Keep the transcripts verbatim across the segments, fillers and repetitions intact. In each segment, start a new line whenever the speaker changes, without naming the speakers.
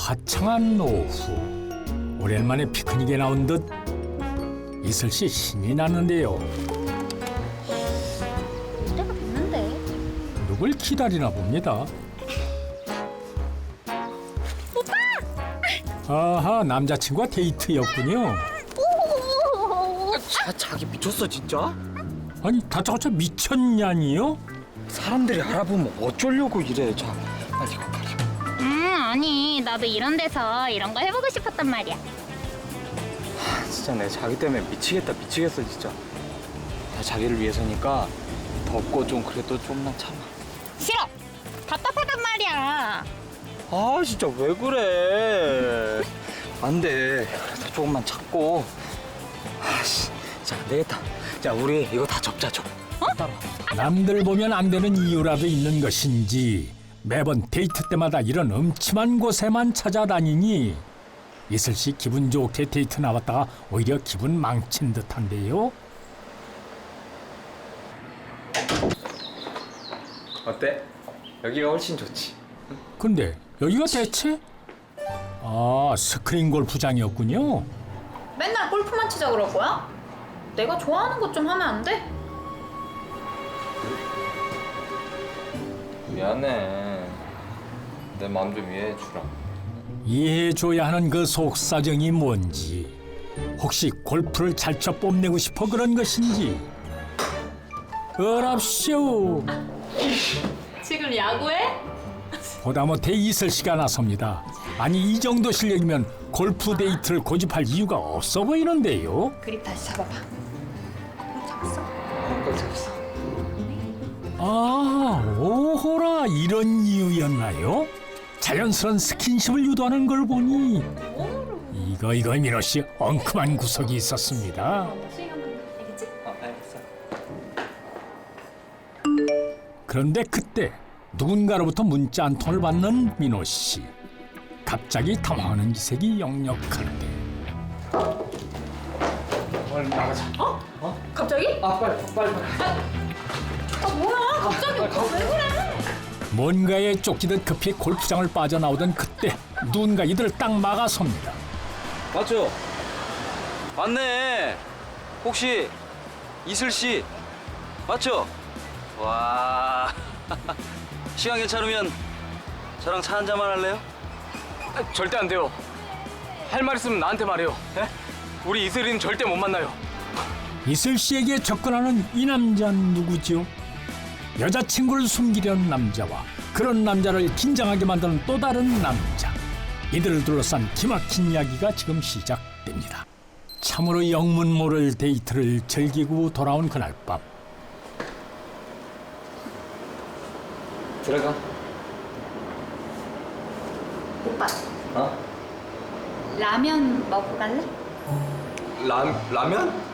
화창한 오후, 오랜만에 피크닉에 나온 듯 이슬 씨 신이 나는데요.
때가 됐는데.
누굴 기다리나 봅니다.
오빠!
아하, 남자친구와 데이트였군요.
자, 자기 미쳤어 진짜?
아니, 다짜고짜 미쳤냐니요?
사람들이 알아보면 어쩌려고 이래. 자, 빨리 이거 빨리.
음, 아니, 나도 이런 데서 이런 거 해보고 싶었단 말이야.
아, 진짜 내 자기 때문에 미치겠다 미치겠어 진짜. 나 자기를 위해서니까 덥고 좀 그래도 좀만 참아.
싫어! 답답하단 말이야.
아 진짜 왜 그래? 안 돼. 그래도 조금만 참고. 아씨, 자, 안 되겠다. 자, 우리 이거 다 접자 접.
어?
따라와.
남들 보면 안 되는 이유라도 있는 것인지 매번 데이트 때마다 이런 음침한 곳에만 찾아다니니 이슬 씨 기분 좋게 데이트 나왔다가 오히려 기분 망친 듯한데요.
어때? 여기가 훨씬 좋지.
근데 여기가 대체? 아, 스크린 골프장이었군요.
맨날 골프만 치자 그럴 거야? 내가 좋아하는 것 좀 하면 안 돼?
미안해. 내 마음 좀 이해해 주라.
이해해줘야 하는 그 속사정이 뭔지, 혹시 골프를 잘 쳐 뽐내고 싶어 그런 것인지. 어랍쇼.
지금 야구해?
보다 못해 이슬 씨가 나섭니다. 아니, 이 정도 실력이면 골프 데이트를 고집할 이유가 없어 보이는데요.
그립 다시 잡아봐. 잡았어?
꼭 잡았어.
아, 오호라, 이런 이유였나요? 자연스러운 스킨십을 유도하는 걸 보니 이거 이거 민호 씨 엉큼한 구석이 있었습니다.
수익 한번 알겠지?
아, 알겠어.
그런데 그때 누군가로부터 문자 한 통을 받는 민호 씨. 갑자기 당황하는 기색이 역력한데.
빨리 나가자.
갑자기?
아, 빨리 빨리 빨리.
아 뭐야? 갑자기 오빠 왜 그래?
뭔가에 쫓기듯 급히 골프장을 빠져나오던 그때 누군가 이들을 딱 막아섭니다.
맞죠? 맞네. 혹시 이슬 씨 맞죠? 와. 시간 괜찮으면 저랑 차 한 잔만 할래요?
아, 절대 안 돼요. 할 말 있으면 나한테 말해요. 예? 우리 이슬이는 절대 못 만나요.
이슬 씨에게 접근하는 이 남자는 누구죠? 여자친구를 숨기려는 남자와 그런 남자를 긴장하게 만드는 또 다른 남자. 이들을 둘러싼 기막힌 이야기가 지금 시작됩니다. 참으로 영문 모를 데이트를 즐기고 돌아온 그날 밤.
들어가.
오빠
어?
라면 먹고 갈래?
라 라면?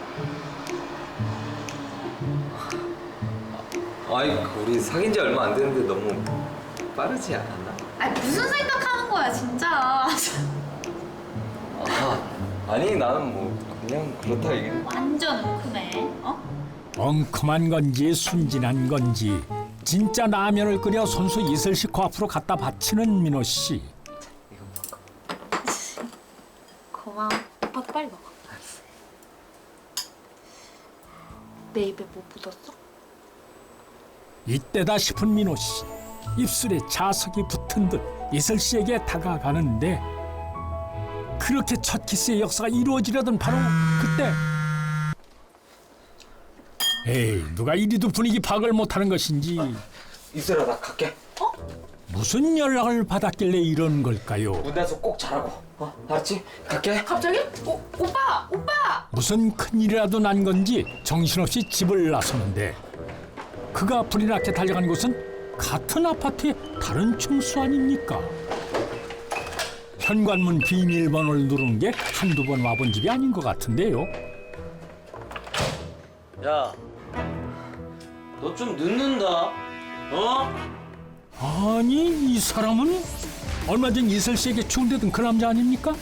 아이, 우리 사귄 지 얼마 안 됐는데 너무 빠르지 않았나?
아 무슨 생각하는 거야 진짜.
아, 아니 나는 뭐 그냥 그렇다 이게.
완전 웅큼해. 어?
엉큼한 건지 순진한 건지 진짜 라면을 끓여 손수 이슬 씨 코앞으로 갖다 바치는 민호 씨.
고마워. 오빠도 빨리 먹어. 내 입에 뭐 묻었어?
이때다 싶은 민호 씨. 입술에 자석이 붙은 듯 이슬 씨에게 다가가는데 그렇게 첫 키스의 역사가 이루어지려던 바로 그때. 에이, 누가 이리도 분위기 파악을 못하는 것인지
이슬아, 나 갈게.
무슨 연락을 받았길래 이런 걸까요?
무대에서 꼭 잘하고. 어, 알았지? 갈게.
갑자기? 오, 오빠! 오빠!
무슨 큰일이라도 난 건지 정신없이 집을 나서는데 그가 불이 나게 달려간 곳은 같은 아파트의 다른 층수 아닙니까? 현관문 비밀번호를 누르는 게 한두 번 와본 집이 아닌 것 같은데요.
야, 너 좀 늦는다. 어?
아니, 이 사람은 얼마 전 이슬 씨에게 추운데던 그 남자 아닙니까?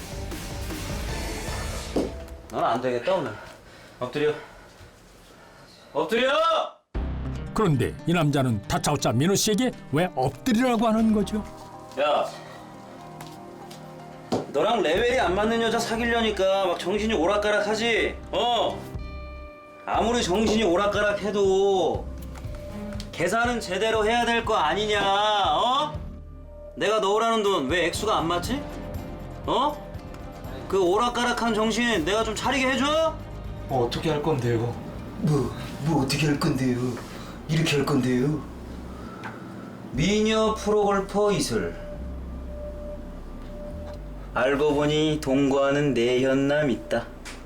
넌 안 되겠다 오늘. 엎드려. 엎드려!
그런데 이 남자는 다짜고짜 민호 씨에게 왜 엎드리라고 하는 거죠?
야, 너랑 레벨이 안 맞는 여자 사귀려니까 막 정신이 오락가락하지? 어? 아무리 정신이 오락가락해도 계산은 제대로 해야 될 거 아니냐? 어? 내가 넣으라는 돈 왜 액수가 안 맞지? 어? 그 오락가락한 정신 내가 좀 차리게 해줘?
어, 어떻게 할 건데요?
뭐, 뭐 어떻게 할 건데요? 이렇게 할 건데요?
미녀 프로골퍼 이슬. 알고 보니 동거하는 내현남 있다.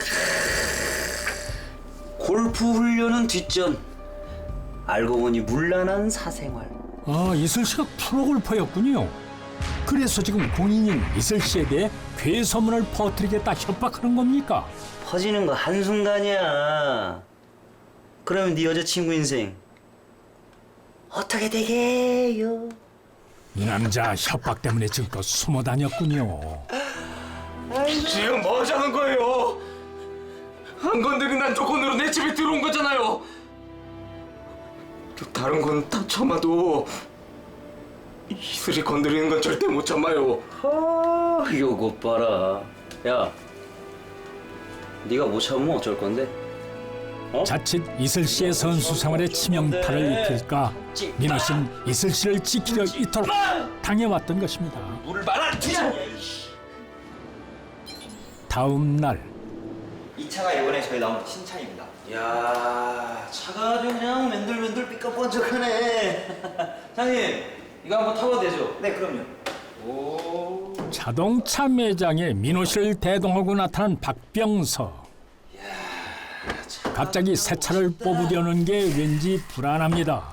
골프 훈련은 뒷전. 알고 보니 문란한 사생활.
아, 이슬 씨가 프로골퍼였군요. 그래서 지금 공인인 이슬 씨에 대해 괴소문을 퍼뜨리겠다 협박하는 겁니까?
퍼지는 거 한순간이야. 그러면 네 여자친구 인생 어떻게 되게요?
이 남자 협박 때문에 지금껏 숨어 다녔군요.
지금 뭐 하자는 거예요? 안 건드린다는 조건으로 내 집에 들어온 거잖아요. 저 다른 건 다 참아도 이슬이 건드리는 건 절대 못 참아요.
아, 요거 봐라. 야, 네가 못 참으면 어쩔 건데? 어?
자칫 이슬 씨의 선수 생활에 치명타를 입힐까 민호 씨는 이슬 씨를 지키려 이토록 당해왔던 것입니다.
물을 말아 주자.
다음 날
이 차가 이번에 저희 나온 신차입니다.
야, 차가 아주 그냥 맨들맨들 삐까뻔쩍하네. 사장님, 이거 한번 타봐도 되죠?
네, 그럼요.
오.
자동차 매장에 민호 씨를 대동하고 나타난 박병서. 갑자기 새 차를 뽑으려는 게 왠지 불안합니다.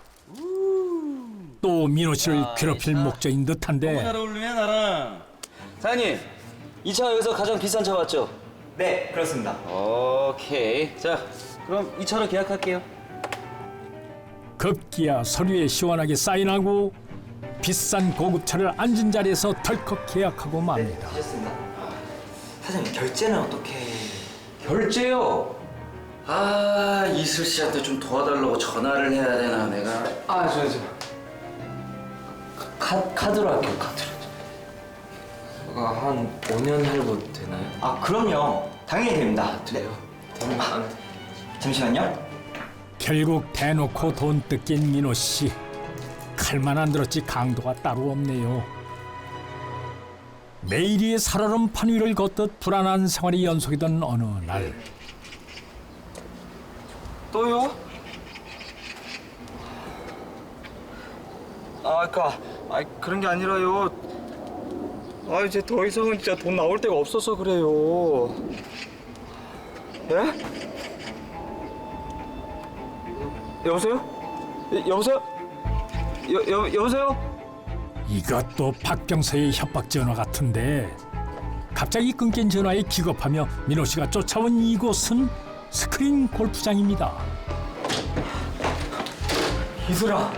또 민호 씨를 괴롭힐 목적인
너무 잘
듯한데
어울리네 나랑. 사장님, 이 차가 여기서 가장 비싼 차 맞죠?
네, 그렇습니다.
오케이. 자, 그럼 이 차로 계약할게요.
급기야 서류에 시원하게 사인하고 비싼 고급차를 앉은 자리에서 덜컥 계약하고 맙니다.
하셨습니다. 사장님, 결제는 어떻게...
결제요? 아, 이슬 씨한테 좀 도와달라고 전화를 해야 되나 내가.
아, 저, 저.
카, 카드로 할게요, 카드로.
제가 한 오 년 할부 되나요?
아, 그럼요. 당연히 됩니다. 네.
되면 안
잠시만요.
결국 대놓고 돈 뜯긴 민호 씨. 칼만 안 들었지 강도가 따로 없네요. 매일이 살얼음 판 위를 걷듯 불안한 생활이 연속이던 어느 날
또요? 아, 그니까, 아, 그런 게 아니라요. 아, 이제 더 이상은 진짜 돈 나올 데가 없어서 그래요. 예? 여보세요? 여, 여보세요? 여, 여, 여보세요?
이것도 박병서의 협박 전화 같은데 갑자기 끊긴 전화에 기겁하며 민호 씨가 쫓아온 이곳은 스크린 골프장입니다.
이슬아.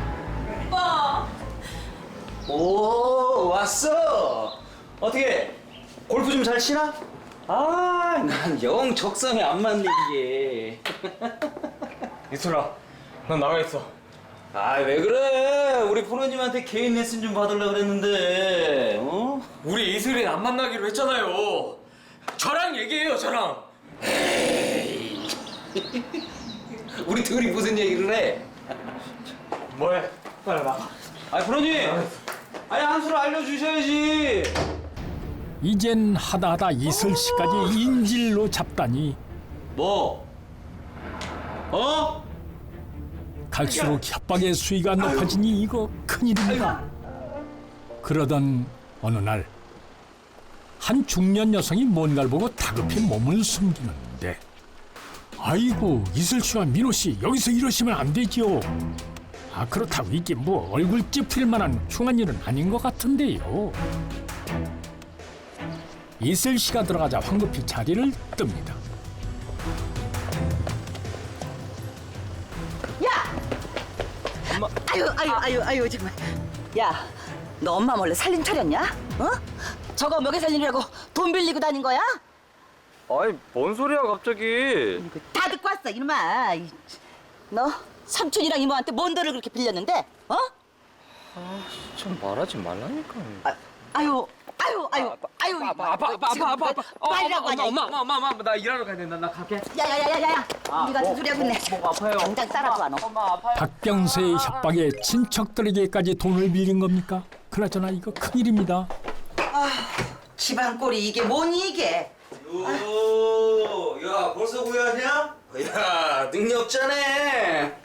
오, 왔어. 어떻게 골프 좀 잘 치나? 아, 난 영 적성에 안 맞네 이게.
이슬아, 난 나가 있어.
아, 왜 그래? 우리 프로님한테 개인 레슨 좀 받으려고 그랬는데. 어?
우리 이슬이 안 만나기로 했잖아요. 저랑 얘기해요, 저랑.
우리 둘이 무슨 얘기를 해?
뭐해? 빨리 나가.
아, 프로님. 아니, 한 수를 알려주셔야지.
이젠 하다하다 이슬 씨까지 인질로 잡다니
뭐? 어?
갈수록 협박의 수위가 높아지니 이거 큰일입니다. 그러던 어느 날 한 중년 여성이 뭔가를 보고 다급히 몸을 숨기는데 아이고 이슬 씨와 민호 씨 여기서 이러시면 안 되죠. 아 그렇다고 이게 뭐 얼굴 찌푸릴 만한 흉한 일은 아닌 것 같은데요. 이슬 씨가 들어가자 황급히 자리를 뜹니다.
아유 아유 아유 아유 정말. 야, 너 엄마 몰래 살림 차렸냐? 어? 저거 먹여 살리려고 돈 빌리고 다닌 거야?
아이, 뭔 소리야, 갑자기.
다 듣고 왔어 이놈아. 이, 너 삼촌이랑 이모한테 뭔 돈을 그렇게 빌렸는데? 어?
좀 말하지 말라니까.
아, 아유 아유 아유 아유,
아빠 아빠 아빠
지금
아빠 아빠 아빠
빨리라고 하냐,
엄마 엄마 엄마 엄마 엄마 나 일하러 가야 된다 나 갈게.
야야야야야, 네가 무슨 소리 하고 있네.
목 아파요.
당장 따라와 너.
엄마 아파요.
박병서의 협박에 친척들에게까지 돈을 빌린 겁니까? 그나저나 이거 큰일입니다.
집안 꼴이 이게 뭐니 이게?
오, 야 벌써 구해왔냐? 야 능력자네.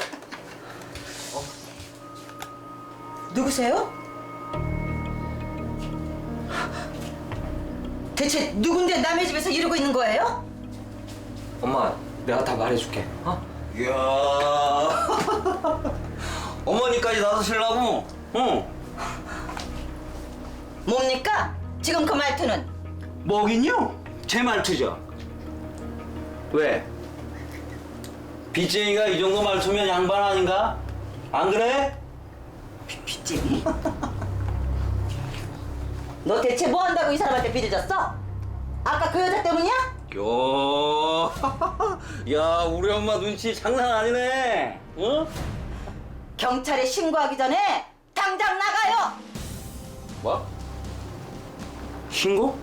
누구세요? 대체 누군데 남의 집에서 이러고 있는 거예요?
엄마 내가 다 말해줄게. 어?
이야 어머니까지 나서시려고? 어?
뭡니까? 지금 그 말투는?
뭐긴요? 제 말투죠. 왜? 빚쟁이가 이 정도 말투면 양반 아닌가? 안 그래?
빚쟁이? 너 대체 뭐 한다고 이 사람한테 빚을 졌어? 아까 그 여자 때문이야?
요, 야 우리 엄마 눈치 장난 아니네. 어?
경찰에 신고하기 전에 당장 나가요!
뭐? 신고?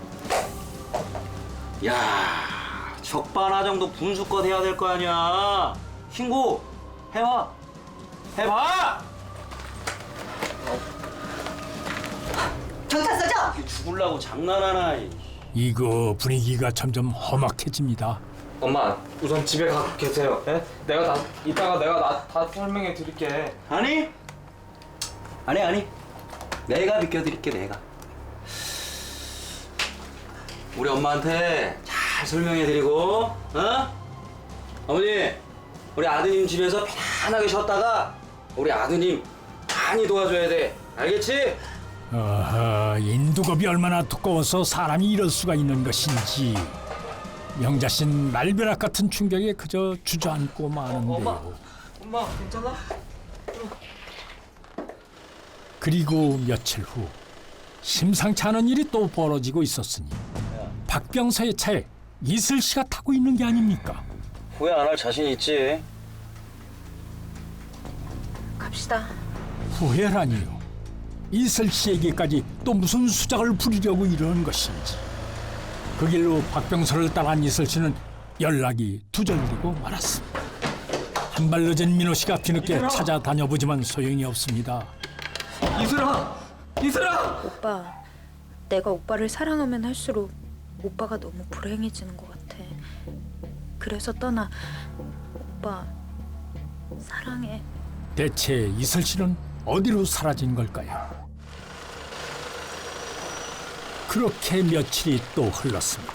야, 적반하 정도 분수껏 해야 될 거 아니야. 신고 해봐. 해봐.
경찰서죠?
이게 죽을라고 장난하나? 이.
이거 분위기가 점점 험악해집니다.
엄마 우선 집에 가 계세요. 예? 내가 다 이따가 내가 나, 다 설명해 드릴게.
아니? 아니 아니. 내가 비켜드릴게 내가. 우리 엄마한테 잘 설명해드리고, 어? 어머니, 우리 아드님 집에서 편안하게 쉬었다가 우리 아드님 많이 도와줘야 돼. 알겠지?
어허, 인두겁이 얼마나 두꺼워서 사람이 이럴 수가 있는 것인지 영자씨는 날벼락 같은 충격에 그저 주저앉고 마는데요.
엄마 괜찮아?
그리고 며칠 후 심상치 않은 일이 또 벌어지고 있었으니 박병서의 차에 이슬씨가 타고 있는 게 아닙니까?
후회 안 할 자신 있지?
갑시다.
후회라니요. 이슬씨에게까지 또 무슨 수작을 부리려고 이러는 것인지. 그 길로 박병서를 따라한 이슬씨는 연락이 두절되고 말았습니다. 한 발 늦은 민호씨가 뒤늦게 찾아다녀보지만 소용이 없습니다.
이슬아, 이슬아.
오빠, 내가 오빠를 사랑하면 할수록 오빠가 너무 불행해지는 것 같아. 그래서 떠나. 오빠, 사랑해.
대체 이슬씨는 어디로 사라진 걸까요? 그렇게 며칠이 또 흘렀습니다.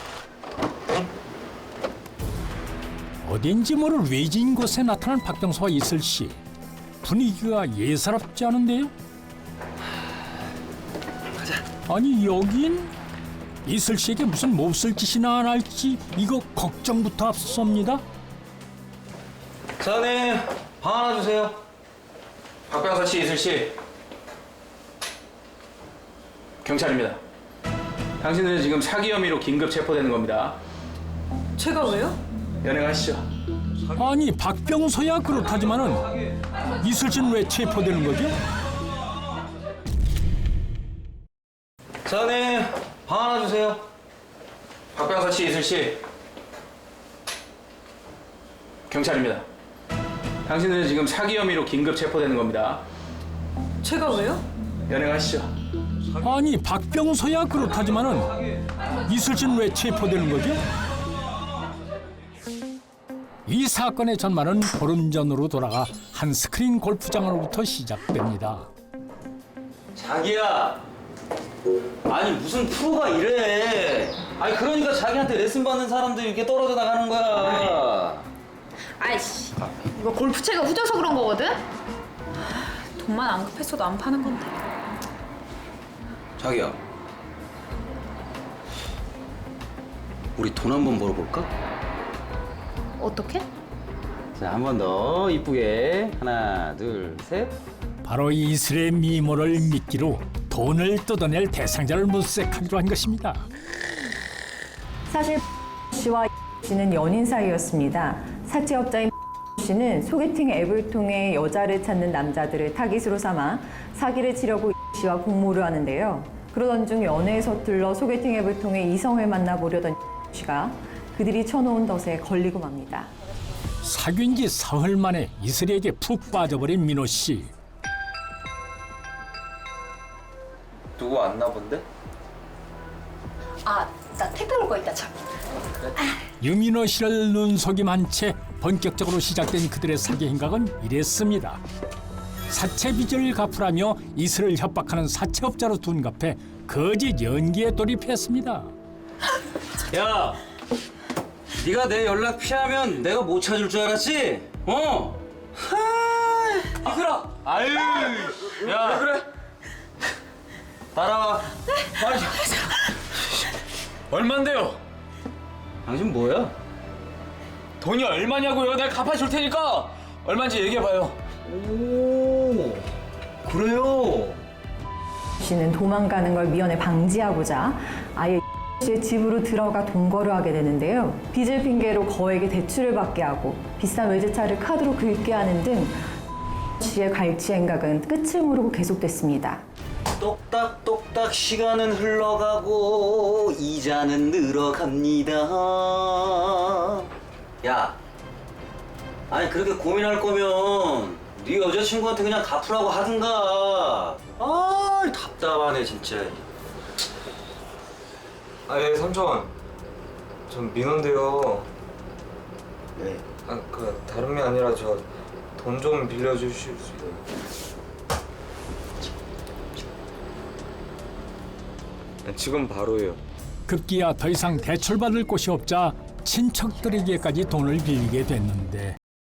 어딘지 모를 외진 곳에 나타난 박병서와 이슬씨. 분위기가 예사롭지 않은데요? 아니 여긴 이슬씨에게 무슨 몹쓸 짓이나 안 할지 이거 걱정부터 앞섭니다.
사장님, 방 하나 주세요.
박병서 씨, 이슬 씨. 경찰입니다. 당신들은 지금 사기 혐의로 긴급 체포되는 겁니다.
제가 왜요?
연행하시죠.
아니 박병서야 그렇다지만은 이슬씨는 왜 체포되는 거죠?
사장님, 방 하나 주세요.
박병서 씨, 이슬 씨. 경찰입니다. 당신들은 지금 사기 혐의로 긴급 체포되는 겁니다.
제가 왜요?
연행하시죠.
아니 박병서야 그렇다지만은 이슬씨는 왜 체포되는 거죠? 이 사건의 전말은 보름 전으로 돌아가 한 스크린 골프장으로부터 시작됩니다.
자기야. 아니 무슨 프로가 이래. 아니 그러니까 자기한테 레슨 받는 사람들이 이렇게 떨어져 나가는 거야.
아이씨, 이거 골프채가 후져서 그런 거거든? 돈만 안 급했어도 안 파는 건데.
자기야. 우리 돈 한 번 벌어볼까?
어떻게?
자, 한 번 더 이쁘게. 하나, 둘, 셋.
바로 이슬의 미모를 미끼로 돈을 뜯어낼 대상자를 물색하기로 한 것입니다.
사실 씨와 씨는 연인 사이였습니다. 사채업자인 씨는 소개팅 앱을 통해 여자를 찾는 남자들을 타깃으로 삼아 사기를 치려고 씨와 공모를 하는데요. 그러던 중 연애에 서툴러 소개팅 앱을 통해 이성을 만나보려던 씨가 그들이 쳐놓은 덫에 걸리고 맙니다.
사귄 지 사흘 만에 이슬이에게 푹 빠져버린 민호 씨.
누구 왔나 본데?
아, 나 택배 올 거 있다, 참.
유민호 씨를 눈속임한 채 본격적으로 시작된 그들의 사기 행각은 이랬습니다. 사채 빚을 갚으라며 이슬을 협박하는 사채업자로 둔갑해 거짓 연기에 돌입했습니다.
야, 네가 내 연락 피하면 내가 못 찾을 줄 알았지? 어? 하, 이슬아. 아유, 야, 왜 그래? 따라와.
아니, 얼만데요?
당신 뭐야?
돈이 얼마냐고요? 내가 갚아줄 테니까 얼마인지 얘기해봐요.
오, 그래요?
씨는 도망가는 걸 미연에 방지하고자 아예 씨의 집으로 들어가 동거를 하게 되는데요. 빚을 핑계로 거액의 대출을 받게 하고 비싼 외제차를 카드로 긁게 하는 등 씨의 갈취 행각은 끝을 모르고 계속됐습니다.
똑딱똑딱 시간은 흘러가고 이자는 늘어갑니다. 야, 아니 그렇게 고민할 거면 네 여자친구한테 그냥 갚으라고 하든가. 아, 답답하네 진짜.
아, 예, 삼촌. 전 민호인데요.
네.
아, 그 다른 게 아니라 저 돈 좀 빌려주실 수 있어요? 지금 바로요.
급기야 더 이상 대출받을 곳이 없자 친척들에게까지 돈을 빌리게 됐는데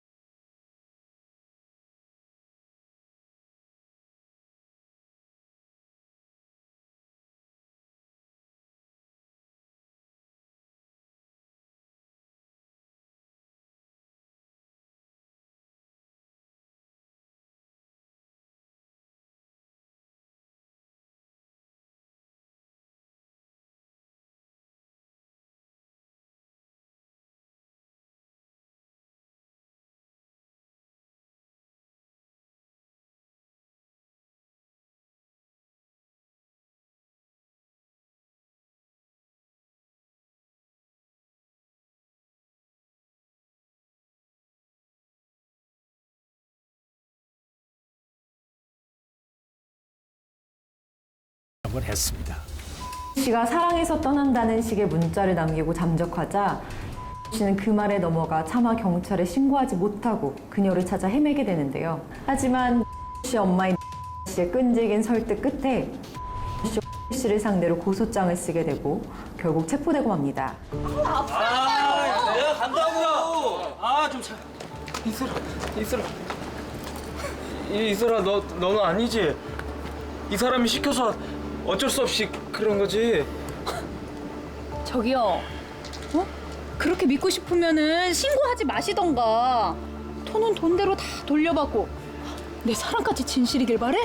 을 했습니다.
씨가 사랑해서 떠난다는 식의 문자를 남기고 잠적하자 씨는 그 말에 넘어가 차마 경찰에 신고하지 못하고 그녀를 찾아 헤매게 되는데요. 하지만 씨 엄마인 씨의 끈질긴 설득 끝에 씨를 상대로 고소장을 쓰게 되고 결국 체포되고 맙니다.
아, 내가 간다고. 아, 좀 참.
이슬아, 이슬아. 이, 이슬아, 너, 너는 아니지? 이 사람이 시켜서 어쩔 수 없이 그런 거지.
저기요, 어? 그렇게 믿고 싶으면은 신고하지 마시던가. 돈은 돈대로 다 돌려받고 내 사랑까지 진실이길 바래?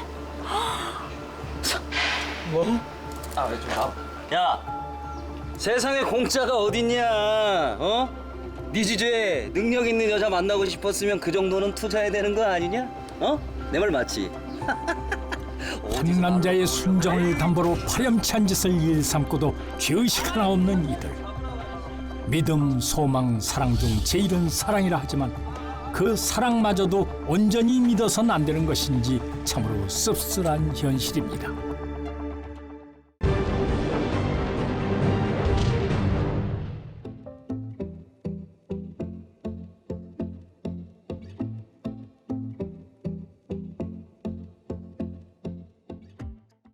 뭐?
아, 좀 나. 야, 세상에 공짜가 어딨냐? 어? 네 주제에 능력 있는 여자 만나고 싶었으면 그 정도는 투자해야 되는 거 아니냐? 어? 내 말 맞지?
한 남자의 순정을 담보로 파렴치한 짓을 일삼고도 죄의식 하나 없는 이들. 믿음, 소망, 사랑 중 제일은 사랑이라 하지만 그 사랑마저도 온전히 믿어서는 안 되는 것인지 참으로 씁쓸한 현실입니다.